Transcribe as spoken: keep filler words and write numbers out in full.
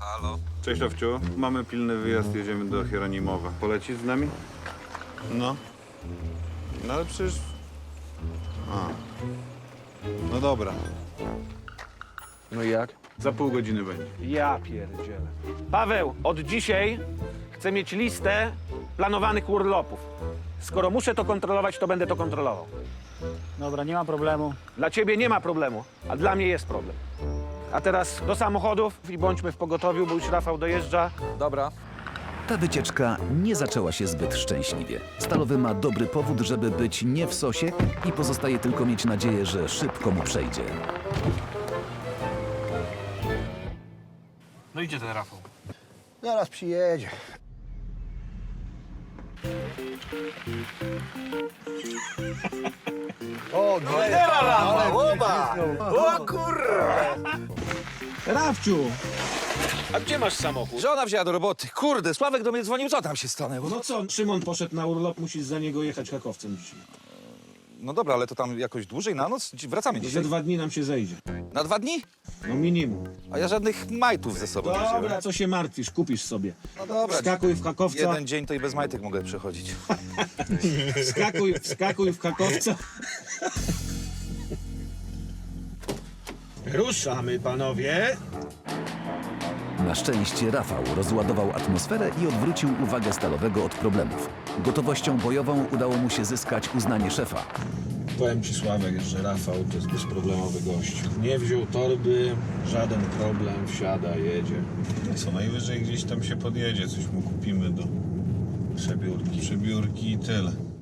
Halo. Cześć, Owciu. Mamy pilny wyjazd, jedziemy do Hieronimowa. Polecisz z nami? No. No ale przecież... A. No dobra. No i jak? Za pół godziny będzie. Ja pierdzielę. Paweł, od dzisiaj chcę mieć listę planowanych urlopów. Skoro muszę to kontrolować, to będę to kontrolował. Dobra, nie ma problemu. Dla ciebie nie ma problemu, a dla mnie jest problem. A teraz do samochodów i bądźmy w pogotowiu, bo już Rafał dojeżdża. Dobra. Ta wycieczka nie zaczęła się zbyt szczęśliwie. Stalowy ma dobry powód, żeby być nie w sosie i pozostaje tylko mieć nadzieję, że szybko mu przejdzie. No idzie ten Rafał. Zaraz przyjedzie. O, Rafciu! A gdzie masz samochód? Żona wzięła do roboty. Kurde, Sławek do mnie dzwonił, co tam się stanęło? No co, Szymon poszedł na urlop, musisz za niego jechać hakowcem dzisiaj. No dobra, ale to tam jakoś dłużej na noc? Wracamy Za dzisiaj. dwa dni nam się zejdzie. Na dwa dni? No minimum. A ja żadnych majtów ze sobą nie Dobra, wziąłem. co się martwisz, kupisz sobie. No dobra. Wskakuj w hakowca, Jeden dzień to i bez majtek mogę przechodzić. wskakuj, wskakuj w hakowca. Ruszamy, panowie. Na szczęście Rafał rozładował atmosferę i odwrócił uwagę Stalowego od problemów. Gotowością bojową udało mu się zyskać uznanie szefa. Powiem ci, Sławek, że Rafał to jest bezproblemowy gość. Nie wziął torby, żaden problem, wsiada, jedzie. No co, najwyżej gdzieś tam się podjedzie, coś mu kupimy do przebiórki. Przebiórki i tyle.